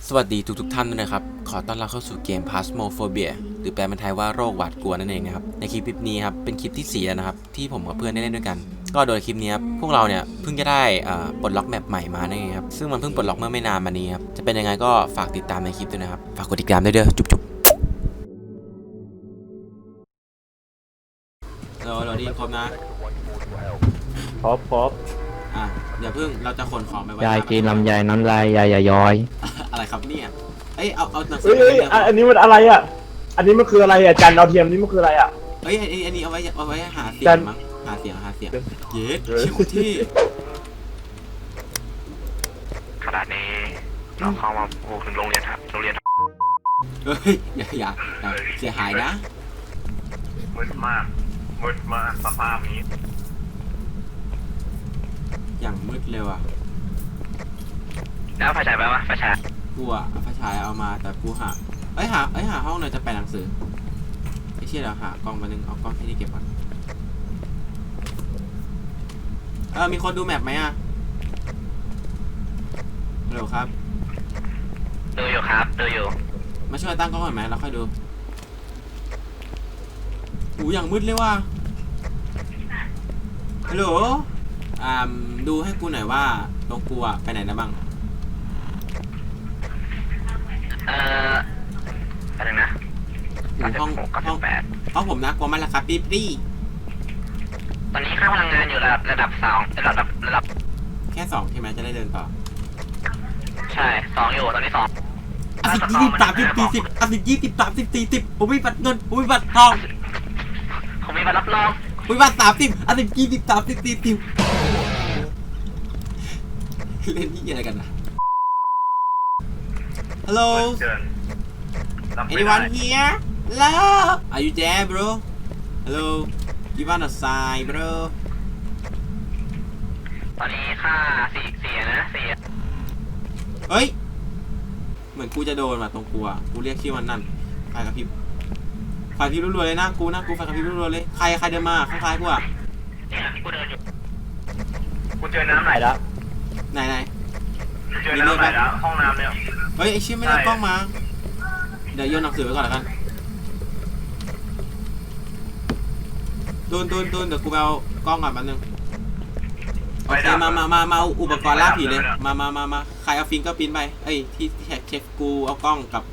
สวัสดีทุกท่านด้วยนะครับขอต้อนรับเข้าสู่เกม Phasmophobia หรือแปลเป็นไทยว่าโรคหวาดกลัวนั่นเองนะครับในคลิปนี้ครับเป็นคลิปที่4นะครับที่ผมกับเพื่อนได้เล่นด้วยกันก็โดยคลิปนี้ครับพวกเราเนี่ยเพิ่งจะได้ปลดล็อกแมปใหม่มานั่นเองครับซึ่งมันเพิ่งปลดล็อกเมื่อไม่นานมานี้ครับจะเป็นยังไงก็ฝากติดตามในคลิปด้วยนะครับฝากกดติดตามด้วยเด้อจุ๊บเราดีครบนะครบอย่าเพิ่งเราจะขนของไปไว้ยายกินลำไยน้ำลายยายย้อยอะไรครับเนี่ยเอาหนังสืเฮ้ยอันนี้มันอะไรอ่ะอันนี้มันคืออะไรอ่ะจันดาวเทียมนี่มันคืออะไรอ่ะอันนี้เอาไว้หาเสียงมั้งหาเสียงเย็ดชิวที่ขนาดนี้เราเข้ามาถึงโรงเรียนครับโรงเรียนเฮ้ยอย่าเสียหายนะมืดมากสภาพนี้อย่างมืดเร็วอ่ะแล้วไฟฉายไปวะไฟฉายกูอ่ะไฟฉายเอามาแต่กูหาหาห้องหน่อยจะไปหนังสือไอ้เชี่ยเราหากล้องมาหนึ่งเอากล้องที่นี่เก็บก่อนมีคนดูแมปไหมอ่ะฮัลโหลครับดูอยู่ครับดูอยู่มาช่วยตั้งกล้องหน่อยไหมเราค่อยดูอย่างมืดเลยว่ะฮัลโหลดูให้กูหน่อยว่าตรงกูอะไปไหนนะบ้างอะไรนะห้องผมนะกลัวมันราคาปี๊บตอนนี้ค่าพลังงานอยู่ระดับ2ระดับแค่2ใช่ไหมจะได้เดินต่อใช่2อยู่ตอนนี้2 10 20 30 40ผมมีบัตรเงินผมมีบัตรทองผมมีบัตรรับรองผมมีบัตร30 20 30 40เล่นที่อะไรกันนะ Hello anyone here hello are you there bro hello give us a sign bro ตอนนี้ค่า4นะเฮ้ยเหมือนกูจะโดนมาตรงกูอ่ะกูเรียกชื่อมันนั่นไฟกระพริบรัวๆเลยนะกูไฟกระพริบรัวๆเลยใครเดินมาคล้ายๆกูอ่ะเนี่ยกูเดินอยู่กูเจอน้ำไหลแล้วไหนเจอน้ำไหลแล้วห้องน้ำเนี่ยเฮ้ยไอชิไม่ได้กล้องมาเดี๋ยวโยนหนังสือไว้ก่อนแล้วกันโดนเดี๋ยวกูไปเอากล้องก่อนแป๊บนึงโอเคมาอุปกรณ์ล่าผีเลยมาใครเอาฟิงเกอร์พิ้นไปที่เช็คกูเอากล้องกับ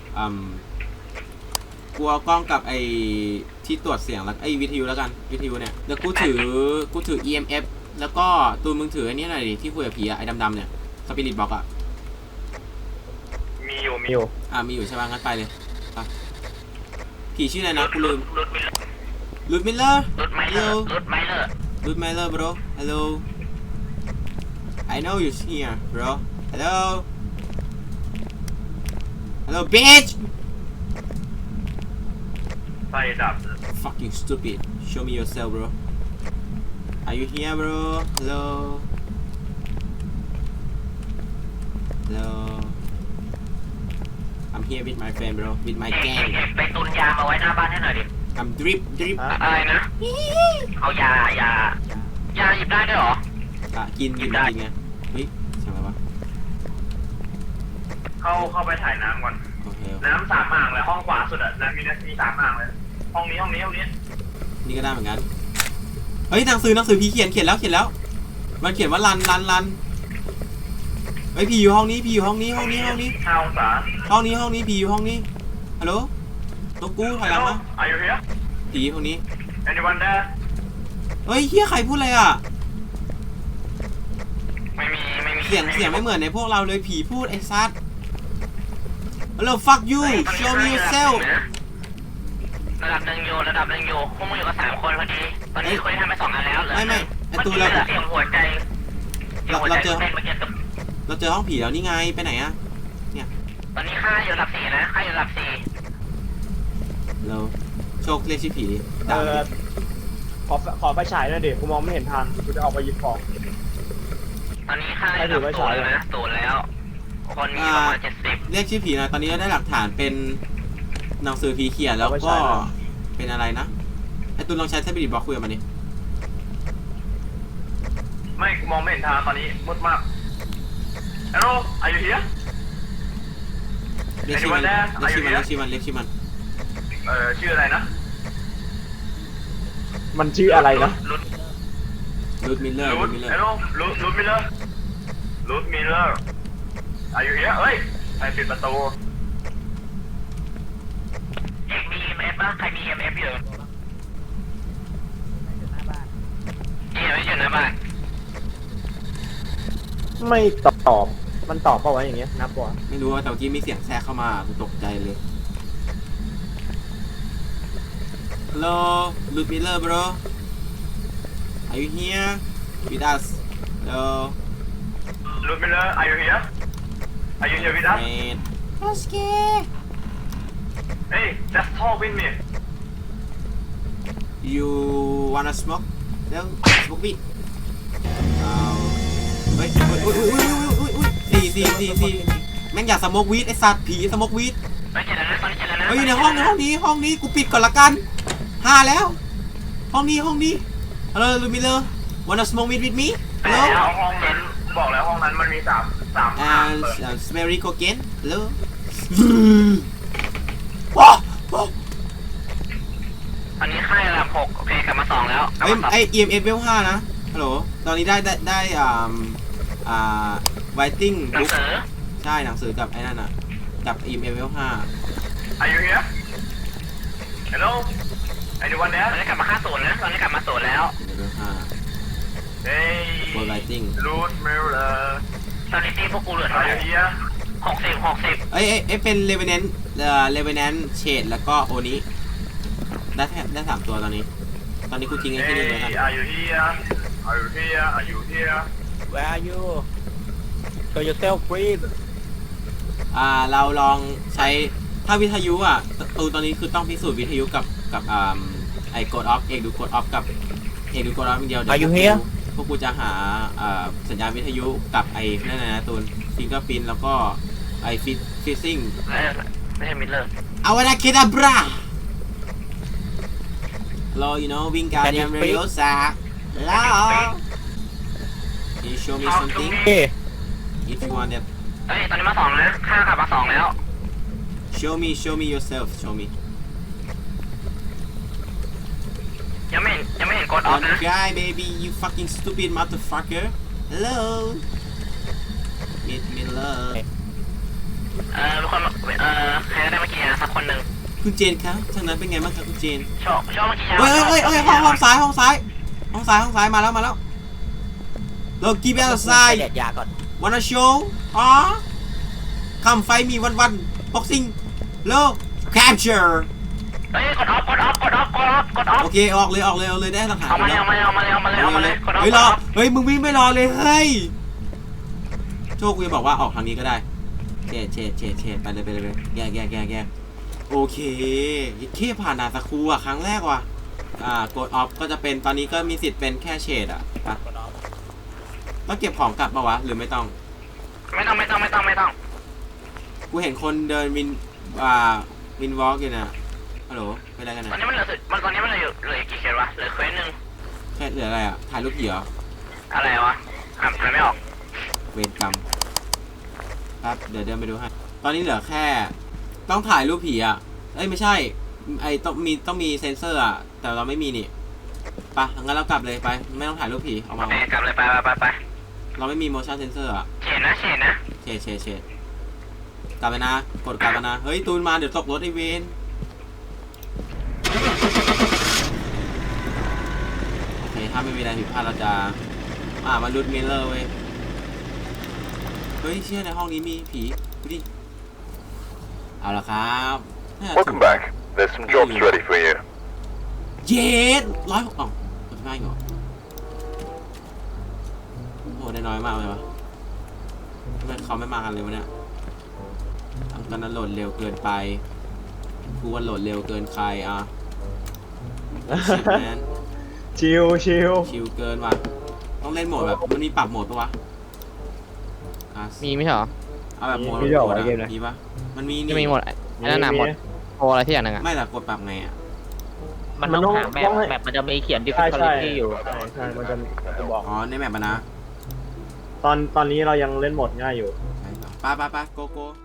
กูเอากล้องกับไอที่ตรวจเสียงแล้ววิทยุแล้วกันวิทยุเนี่ยเดี๋ยวกูถือ EMF แล้วก็ตูนมึงถือไอ้นี่หน่อยดิที่คุยกับผีอะไอ้ดำๆเนี่ยสปิริตบ็อกอะมีอยู่มีอยู่ใช่ป่ะงั้นไปเลยไปผีชื่ออะไรนะกูลืมรูทมิลเลอร์ bro hello I know you're here bro hello bitch ไฟดับ fucking stupid show me yourself bro are you here bro hello I'm here with my friend bro with my gang ไปตุนยามาไว้หน้าบ้านให้หน่อยดิ I'm drip อะไรนะเอายาหยิบได้ด้วยเหรอกินไงเฮ้ยใช่ไหมวะเข้าไปถ่ายน้ำก่อนน้ำ3 อ่างเลยห้องขวาสุดอะน้ำมี3 อ่างเลยห้องนี้นี่ก็ได้เหมือนกันเฮ้ยหนังสือผีเขียนแล้วมันเขียนว่ารันเฮ้ยผีอยู่ห้องนี้5 องศาห้องนี้ผีอยู่ห้องนี้ฮัลโหลตัวกูถอยหลังมาผีห้องนี้ Anyone there เฮ้ยเฮียใครพูดอะไรอ่ะไม่มีเสียงไม่เหมือนในพวกเราเลยผีพูดไอ้ซัดฮัลโหล fuck you show me yourself ระดับหนึ่งอยู่พวกมึงอยู่กับ3 คนพอดีตอนนี้คุยทำไป2 อันแล้วไม่ไอตัวเราเสียงหัวใจเราเจอห้องผีแล้วนี่ไงไปไหนอะเนี่ยตอนนี้ค่าอยู่ระดับ4นะเราโชคเรียกชื่อผีขอไฟฉายหน่อยดิกูมองไม่เห็นทางกูจะออกไปหยิบของตอนนี้ค่าอยู่ระดับ0นะ0แล้วคนมีประมาณ70 เรียกชื่อผีนะตอนนี้เราได้หลักฐานเป็นหนังสือผีเขียนแล้วก็เป็นอะไรนะไอตุนลองใช้สปิริตบ็อกคุยกับมันดิไม่มองไม่เห็นทางตอนนี้มืดมาก Hello are you here รียกชื่อมันเรียกชื่อมันชื่ออะไรนะมันชื่ออะไรนะรูทมิลเลอร์รูทมิลเลอร์อายุเยอะเฮ้ยใครปิดประตูเอกมี EMF ป่ะใครมี EMF อยู่ไม่อยู่หน้าบ้านไม่ตอบมันตอบเปล่าวะอย่างเงี้ยนับปะไม่รู้ว่าแต่เมื่อกี้มีเสียงแทรกเข้ามากูตกใจเลย Hello รูทมิลเลอร์ bro Are you here with us Hello รูทมิลเลอร์ are you here with us Man hey just talk with me You wanna smoke เร็ว smoke weed เฮ้ยสี่แม่งอยากสโมกวีดไอสัตว์ผีสโมกวีดไม่เจอแล้วนะตอนนี้เจอแล้วนะเฮ้ยในห้องนี้กูปิดก่อนละกัน5แล้วห้องนี้Hello ลูมิเลอร์ wanna smoke weed with me แต่ Hello ห้องนั้นบอกแล้วห้องนั้นมันมีสาม and smelly cocaine Hello ว้าวอันนี้ค่ายระดับ6โอเคกลับมา2แล้วเฮ้ยไอ EMF level 5นะฮัลโหลตอนนี้ได้writing หนัง book สือใช่หนังสือกับไอ้นั่นน่ะกับ EMF level 5 Are you here Hello anyone there ตอนนี้กลับมา50นะตอนนี้กลับมา0แล้ว level 5 Hey for writing Root Miller ตอนนี้ทีพวกกูเหลือเท่าไหร่60 เอ้ยเป็น Revenant Shade แล้วก็โอนี้ได้3ตัวตอนนี้กูทิ้งไอ้ที่นี่เลยครับ Are you here Where are you? Show yourself, please. เราลองใช้ถ้าวิทยุอ่ะตอนนี้คือต้องพิสูจน์วิทยุกับไอ้กดออฟเอกดูกดออฟกับเอกดูกดออฟอย่างเดียว Are you here? พวกกูจะหาสัญญาณวิทยุกับไอ้นั่นนะตูนฟิงเกอร์พินแล้วก็ไอ้ฟิซซิ่งไม่ใช่มิลเลอร์เอาวะนะเคดาบราHello you know Wingardium Can you speak? Leviosa Hello Can you show me something Hey, if you want that เฮ้ยตอนนี้มา2แล้วข้ากลับมา2แล้ว show me yourself show me ยังไม่เห็นกดออฟ One นะ guy baby you fucking stupid motherfucker Hello Miller ทุกคนใครก็ได้เมื่อกี้สักคนหนึ่งคุณเจนครับทางนั้นเป็นไงบ้างครับคุณเจนโชว์เมื่อกี้เฮ้ยห้องซ้ายมาแล้วโลกี้เบลไซไปเด็ดยาก่อน wanna show come fight me one boxing low capture เฮ้ยกดออฟโอเคออกเลยได้หลักฐานเอามาเลยกดออฟเฮ้ยรอเฮ้ยมึงวิ่งไม่รอเลยเฮ้ยโชคกูจะบอกว่าออกทางนี้ก็ได้เชดไปเลยแยกโอเคแค่ผ่านนาสคูอ่ะครั้งแรกว่ะกดออฟก็จะเป็นตอนนี้ก็มีสิทธิ์เป็นแค่เชดอ่ะต้องเก็บของกลับปะวะหรือไม่ต้องไม่ต้องกูเห็นคนเดินวินวอล์กอยู่นะฮัลโหลเป็นอะไรกันตอนนะนี้มันเหลือกี่เขตวะเหลือเควสนึงแค่เหลืออะไรอ่ะถ่ายรูปผีเหรออะไรวะอ่านไม่ออกเวรกรรมครับเดี๋ยวเดินไปดูให้ตอนนี้เหลือแค่ต้องถ่ายรูปผีอ่ะเอ้ยไม่ใช่ไอต้องมีเซนเซอร์อ่ะแต่เราไม่มีนี่ไปงั้นเรากลับเลยไปไม่ต้องถ่ายรูปผีเอามากลับเลยไปเราไม่มี motion sensor อ่ะเฉดนะเชดกลับไปนะกดกลับไปนะเฮ้ยตูนมาเดี๋ยวตกรถไอเวนโอเคถ้าไม่มีอะไรผิดพลาดเราจะมารูทมิลเลอร์เว้ยเฮ้ยเชื่อในห้องนี้มีผีดูดิเอาละครับน่าจะถูก Welcome back. There's some jobs ready for you. เย็ดจะง่ายเหรอโอ้ได้น้อยมากเลยวะทำไมเขาไม่มากันเลยวะเนี่ยตอนนั้นโหลดเร็วเกินไปกูว่าโหลดเร็วเกินใครชิลแมนชิวชิลเกินว่ะต้องเล่นโหมดแบบมันมีปรับโหมดปะวะมีไหมเหรอเอาแบบโหมดมีปะมันมีจะมีหมดอันนั้นหมดโออะไรที่อย่างนึงอ่ะไม่แต่กดปรับไงอ่ะมันต้องหาแบบมันจะมีเขียน difficulty อยู่ใช่มันจะกูบอกอ๋อในแมปนะตอนนี้เรายังเล่นโหมดง่ายอยู่ไปโก